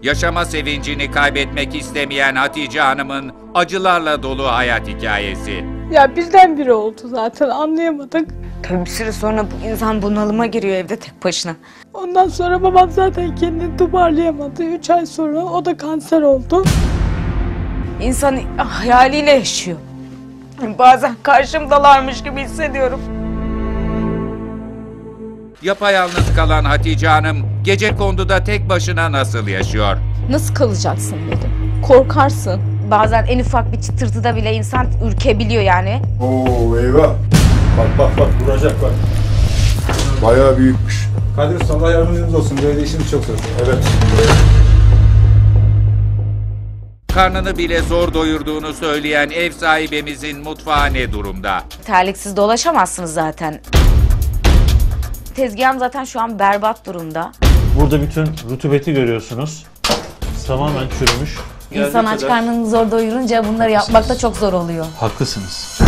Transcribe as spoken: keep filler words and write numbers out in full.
Yaşama sevincini kaybetmek istemeyen Hatice Hanım'ın acılarla dolu hayat hikayesi. Ya bizden biri oldu zaten, anlayamadık. Tabii bir süre sonra bu insan bunalıma giriyor evde tek başına. Ondan sonra babam zaten kendini toparlayamadı. Üç ay sonra o da kanser oldu. İnsan hayaliyle yaşıyor. Bazen karşımdalarmış gibi hissediyorum. Yapayalnız kalan Hatice Hanım gecekonduda tek başına nasıl yaşıyor? Nasıl kalacaksın dedim. Korkarsın. Bazen en ufak bir çıtırtıda bile insan ürkebiliyor yani. Oo eyvah. Bak bak bak vuracak bak. Bayağı büyükmüş. Kadir Usta, Allah yardımcınız olsun. Böyle işimiz çok zor. Evet. Karnını bile zor doyurduğunu söyleyen ev sahibimizin mutfağı ne durumda? Terliksiz dolaşamazsınız zaten. Tezgahım zaten şu an berbat durumda. Burada bütün rutubeti görüyorsunuz. Tamamen çürümüş. İnsan aç karnını zor doyurunca bunları yapmak da çok zor oluyor. Haklısınız.